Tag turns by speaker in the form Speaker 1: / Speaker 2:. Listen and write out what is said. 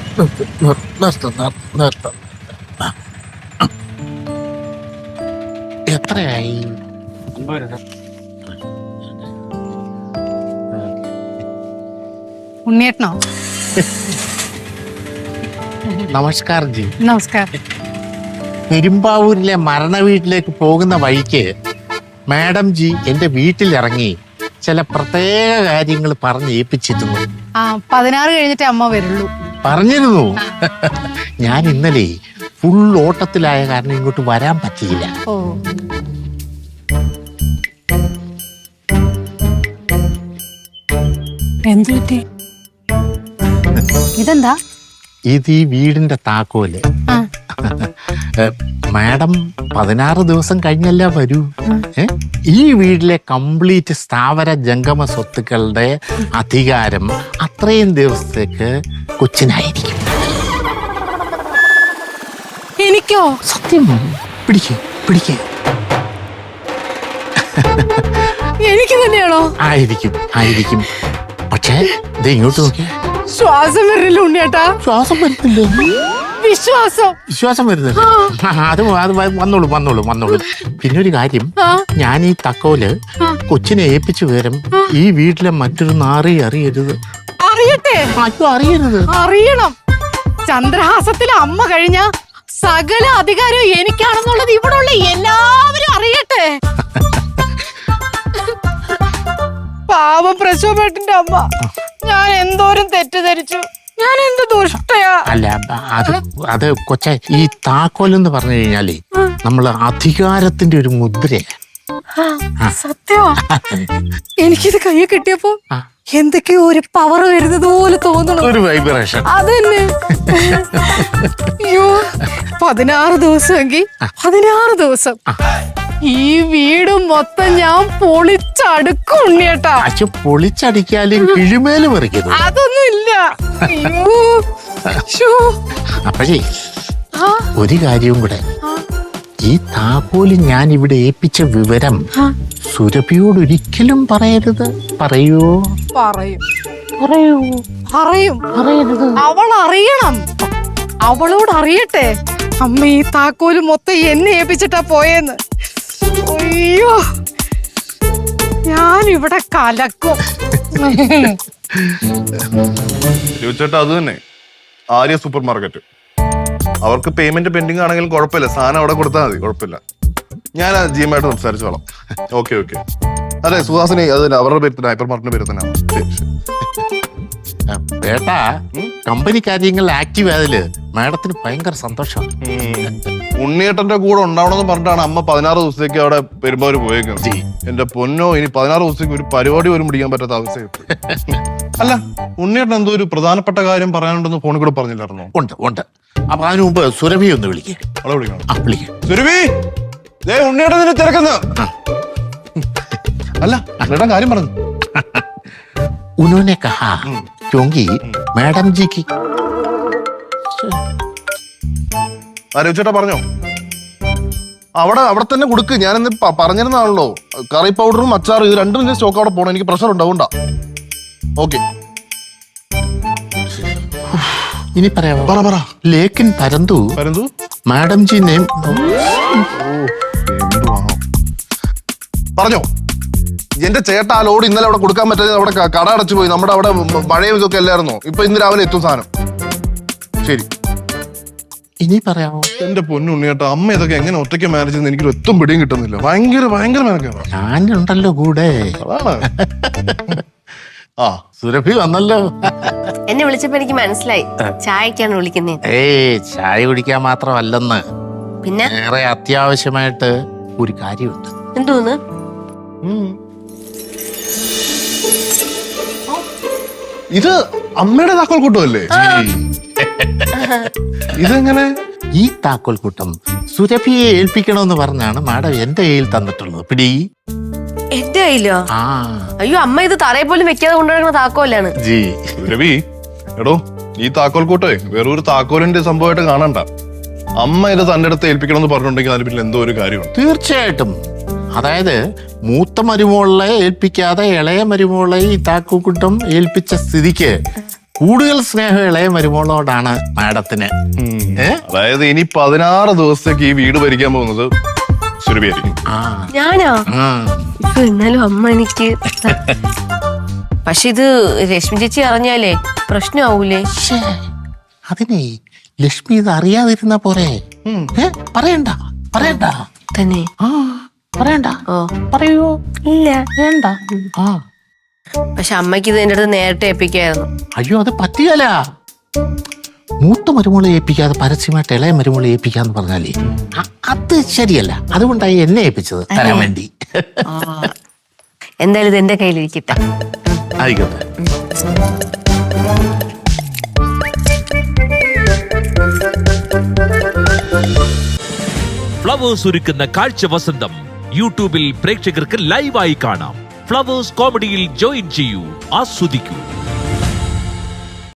Speaker 1: നിർത്തം. എത്രയായി?
Speaker 2: ഉണ്ണിയേട്ടനോ?
Speaker 1: നമസ്കാരം ജി.
Speaker 2: നമസ്കാരം.
Speaker 1: പെരുമ്പാവൂരിലെ മരണ വീട്ടിലേക്ക് പോകുന്ന വഴിക്ക് മാഡം ജി എന്റെ വീട്ടിലിറങ്ങി ചില പ്രത്യേക കാര്യങ്ങൾ പറഞ്ഞ് ഏൽപ്പിച്ചിരുന്നു.
Speaker 2: 16 കഴിഞ്ഞിട്ടേ അമ്മ വരുള്ളൂ
Speaker 1: പറഞ്ഞിരുന്നു. ഞാൻ ഇന്നലെ ഫുൾ ഓട്ടത്തിലായ കാരണം ഇങ്ങോട്ട് വരാൻ പറ്റിയില്ല.
Speaker 2: ഓ, എന്തു പറ്റി? ഇതെന്താ?
Speaker 1: ഇത് ഈ വീടിന്റെ താക്കോല്.
Speaker 2: ആ,
Speaker 1: മാഡം 16 ദിവസം കഴിഞ്ഞല്ല വരൂ. ഈ വീട്ടിലെ കംപ്ലീറ്റ് സ്ഥാവര ജംഗമ സ്വത്തുക്കളുടെ അധികാരം അത്രയും ദിവസത്തേക്ക് കൊച്ചിനായിരിക്കും.
Speaker 2: എനിക്കോ?
Speaker 1: സത്യം. പിടിക്കേ.
Speaker 2: എനിക്ക് തന്നെയാണോ?
Speaker 1: ആയിരിക്കും. പക്ഷേ ഇത് ഇങ്ങോട്ട് നോക്കിയേ.
Speaker 2: ശ്വാസം വരില്ല ഉണ്ണിയേട്ടാ.
Speaker 1: ശ്വാസം വരുന്നില്ല.
Speaker 2: വിശ്വാസം
Speaker 1: വരുന്നില്ല. അത് വന്നോളൂ. പിന്നെ ഒരു കാര്യം, ഞാൻ ഈ തക്കോല് കൊച്ചിനെ ഏൽപ്പിച്ചു വരും. ഈ വീട്ടിലെ മറ്റൊരു നാറി അറിയരുത്.
Speaker 2: അറിയട്ടെ?
Speaker 1: അറിയരുത്.
Speaker 2: അറിയണം. ചന്ദ്രഹാസത്തിലെ അമ്മ കഴിഞ്ഞ സകല അധികാരവും എനിക്കാണെന്നുള്ളത് ഇവിടെ ഉള്ള എല്ലാവരും അറിയട്ടെ. പാവം പ്രശോഭേട്ടന്റെ അമ്മ, ഞാൻ എന്തോരം തെറ്റിദ്ധരിച്ചു. ഞാൻ എന്ത് ദുഷ്ടയാ.
Speaker 1: അല്ല, അത് കൊച്ച ഈ താക്കോലെന്ന് പറഞ്ഞു കഴിഞ്ഞാലേ നമ്മള് അധികാരത്തിന്റെ ഒരു മുദ്രയാ.
Speaker 2: സത്യമാ. എനിക്കിത് കൈ കിട്ടിയപ്പോ എന്തൊക്കെയോ ഒരു പവർ വരുന്നത് പോലെ തോന്നണം.
Speaker 1: ഒരു വൈബ്രേഷൻ.
Speaker 2: അതന്നെ. അയ്യോ, 16 ദിവസമെങ്കിൽ 16 ദിവസം ഈ വീട് മൊത്തം ഞാൻ പൊളിച്ചടുക്കും ഉണ്ണിയേട്ടാ.
Speaker 1: പൊളിച്ചടിക്കാലും കിഴിമേല് പറിക്കുന്നു.
Speaker 2: അതൊന്നും ഇല്ല.
Speaker 1: അപ്പഴേ ഒരു കാര്യവും കൂടെ, ഈ താക്കോല് ഞാൻ ഇവിടെ ഏൽപ്പിച്ച വിവരം സുരഭിയോട് ഒരിക്കലും പറയരുത്. പറയൂ?
Speaker 2: പറയും. അവൾ അറിയണം. അവളോട് അറിയട്ടെ അമ്മ ഈ താക്കോല് മൊത്തം എന്നെ ഏൽപ്പിച്ചിട്ടാ പോയെന്ന്. അയ്യോ, ഞാൻ ഇവിടെ കലക്കും.
Speaker 3: ചേട്ടാ, അത് തന്നെ ആര്യ സൂപ്പർ മാർക്കറ്റ്. അവർക്ക് പേയ്മെന്റ് പെൻഡിങ് ആണെങ്കിലും കുഴപ്പമില്ല, സാധനം അവിടെ കൊടുത്താൽ മതി, കുഴപ്പമില്ല. ഞാൻ ജിയുമായിട്ട് സംസാരിച്ചോളാം. ഓക്കെ. അതെ, സുഹാസിനി, അത് തന്നെ അവരുടെ പേര് തന്നെ, ഹൈപ്പർ മാർക്കറ്റിന്റെ പേര് തന്നെ.
Speaker 1: ഏട്ടാ, കമ്പനി കാര്യങ്ങൾ ആക്റ്റീവ് ആയതില് മാഡത്തിന് ഭയങ്കര സന്തോഷം.
Speaker 3: ഉണ്ണിയേട്ടന്റെ കൂടെ ഉണ്ടാവണമെന്ന് പറഞ്ഞിട്ടാണ് അമ്മ 16 ദിവസത്തേക്ക് അവിടെ പെരുമ്പാവൂര് പോയേക്കുന്നത്. എന്റെ പൊന്നോ, ഇനി 16 ദിവസത്തേക്ക് ഒരു പരിപാടി പോലും പിടിക്കാൻ പറ്റാത്ത അവസ്ഥയായിട്ട്. അല്ല, ഉണ്ണിയേട്ടൻ എന്തോ ഒരു പ്രധാനപ്പെട്ട കാര്യം പറയാനുണ്ടെന്ന് ഫോണിൽ കൂടെ പറഞ്ഞില്ലായിരുന്നോ?
Speaker 1: ഉണ്ട്. അപ്പൊ അതിനു മുമ്പ് സുരഭി ഒന്ന് വിളിക്കേ.
Speaker 3: അവളെ വിളിക്കണം.
Speaker 1: വിളിക്കാം.
Speaker 3: സുരഭി, ഉണ്ണിയേട്ടൻ നിന്നെ തിരക്കുന്ന. അല്ല, ഉണ്ണിയേട്ടൻ കാര്യം പറഞ്ഞു.
Speaker 1: उन्होंने कहा क्योंकि मैडम जी की.
Speaker 3: ചേട്ടാ പറഞ്ഞോ? അവിടെ തന്നെ കൊടുക്ക്. ഞാനിന്ന് പറഞ്ഞിരുന്നാണല്ലോ, കറി പൗഡറും അച്ചാറും ഇത് രണ്ടും സ്റ്റോക്ക് അവിടെ പോകണം. എനിക്ക് പ്രഷർ ഉണ്ടാവണ്ട. ഓക്കെ,
Speaker 1: ഇനി പറയാമോ?
Speaker 3: പറ.
Speaker 1: ലേക്കിൻ പരന്തു മാഡം ജി നെയിം.
Speaker 3: പറഞ്ഞോ? എന്റെ ചേട്ടാ ആ ലോഡ് ഇന്നലെ അവിടെ കൊടുക്കാൻ പറ്റാതെ അവിടെ കട അടച്ചു പോയി. നമ്മുടെ അവിടെ മഴയും ഇതൊക്കെ അല്ലായിരുന്നോ? ഇപ്പൊ ഇന്ന് രാവിലെ എത്തും സാധനം. ശരി,
Speaker 1: ഇനി പറയാമോ?
Speaker 3: എന്റെ പൊന്നുണ്ണിയേട്ടാ, അമ്മ ഇതൊക്കെ എങ്ങനെ ഒറ്റയ്ക്ക് മാനേജ് ചെയ്യുന്ന എനിക്ക് ഒത്തും പിടിയും കിട്ടുന്നില്ല. ഭയങ്കര മെനക്കാണ്.
Speaker 1: ഞാനുണ്ടല്ലോ കൂടെ.
Speaker 3: അതാണ്.
Speaker 1: സുരഭി വന്നല്ലോ.
Speaker 4: എന്നെ വിളിച്ചപ്പോ എനിക്ക് മനസ്സിലായി ചായക്കാണ് വിളിക്കുന്നേ.
Speaker 1: ചായ കുടിക്കാൻ മാത്രമല്ലെന്ന്,
Speaker 4: പിന്നെ
Speaker 1: വേറെ അത്യാവശ്യമായിട്ട് ഒരു കാര്യമുണ്ട്.
Speaker 4: എന്തോന്ന്?
Speaker 3: ഇത് അമ്മയുടെ താക്കോൽ കൂട്ടമല്ലേ? ഇതെങ്ങനെ?
Speaker 1: ഈ താക്കോൽ കൂട്ടം സുരഭിയെ ഏൽപ്പിക്കണമെന്ന് പറഞ്ഞാണ് മാഡം എന്റെ കയ്യിൽ തന്നിട്ടുള്ളത്. പിടി.
Speaker 4: എന്റെ കയ്യിലോ? അയ്യോ, അമ്മ ഇത് തറയെ പോലും വെക്കാതെ കൊണ്ടുവരുന്ന താക്കോലാണ്.
Speaker 3: രവി, എടോ, ഈ താക്കോൽ കൂട്ടേ വേറൊരു താക്കോലിന്റെ സംഭവമായിട്ട് കാണണ്ട. അമ്മ ഇത് തന്റെ അടുത്ത് ഏൽപ്പിക്കണമെന്ന് പറഞ്ഞിട്ടുണ്ടെങ്കിൽ അതിന് പിന്നെ എന്തോ ഒരു കാര്യമുണ്ട്.
Speaker 1: തീർച്ചയായിട്ടും. അതായത് മൂത്ത മരുമോളെ ഏൽപ്പിക്കാതെ ഇളയ മരുമോളെ ഈ താക്കൂക്കുട്ടം ഏൽപ്പിച്ച സ്ഥിതിക്ക് കൂടുതൽ സ്നേഹം ഇളയ മരുമോളോടാണ് മാഡത്തിന്.
Speaker 3: അതായത് ഇനി 16 ദിവസത്തേക്ക് ഈ വീട് ഭരിക്കാൻ പോകുന്നത് സുരഭിയായിരിക്കും.
Speaker 4: ഞാനോ? എന്നാലും അമ്മ എനിക്ക് പക്ഷെ ഇത് രശ്മി ചേച്ചി അറിഞ്ഞാലേ പ്രശ്നമാവൂലേ?
Speaker 1: അതിനെ ലക്ഷ്മി ഇത് അറിയാതിരുന്ന പോരെ. പറയണ്ട പറയണ്ട
Speaker 4: തന്നെ.
Speaker 1: പറയണ്ട.
Speaker 4: ഓ
Speaker 1: പറയൂ.
Speaker 4: ഇല്ല
Speaker 1: വേണ്ട.
Speaker 4: പക്ഷെ അമ്മയ്ക്ക് ഇത് എന്റെ അടുത്ത് നേരത്തെ ഏൽപ്പിക്കായിരുന്നു.
Speaker 1: അയ്യോ അത് പറ്റിയല്ല. മൂത്ത മരുമോളെ ഏൽപ്പിക്കാതെ പരസ്യമായിട്ട് ഇളയ മരുമോളെ ഏൽപ്പിക്കാന്ന് പറഞ്ഞാലേ അത് ശരിയല്ല. അതുകൊണ്ടായി എന്നെ ഏൽപ്പിച്ചത് തരാൻ വേണ്ടി.
Speaker 4: എന്തായാലും ഇത് എന്റെ കയ്യിലിരിക്കട്ടെ.
Speaker 1: ആയിക്കോട്ടെ.
Speaker 5: ഫ്ലവേഴ്സ് ഒരുക്കുന്ന കാഴ്ച വസന്തം യൂട്യൂബിൽ പ്രേക്ഷകർക്ക് ലൈവായി കാണാം. ഫ്ലവേഴ്സ് കോമഡിയിൽ ജോയിൻ ചെയ്യൂ, ആസ്വദിക്കൂ.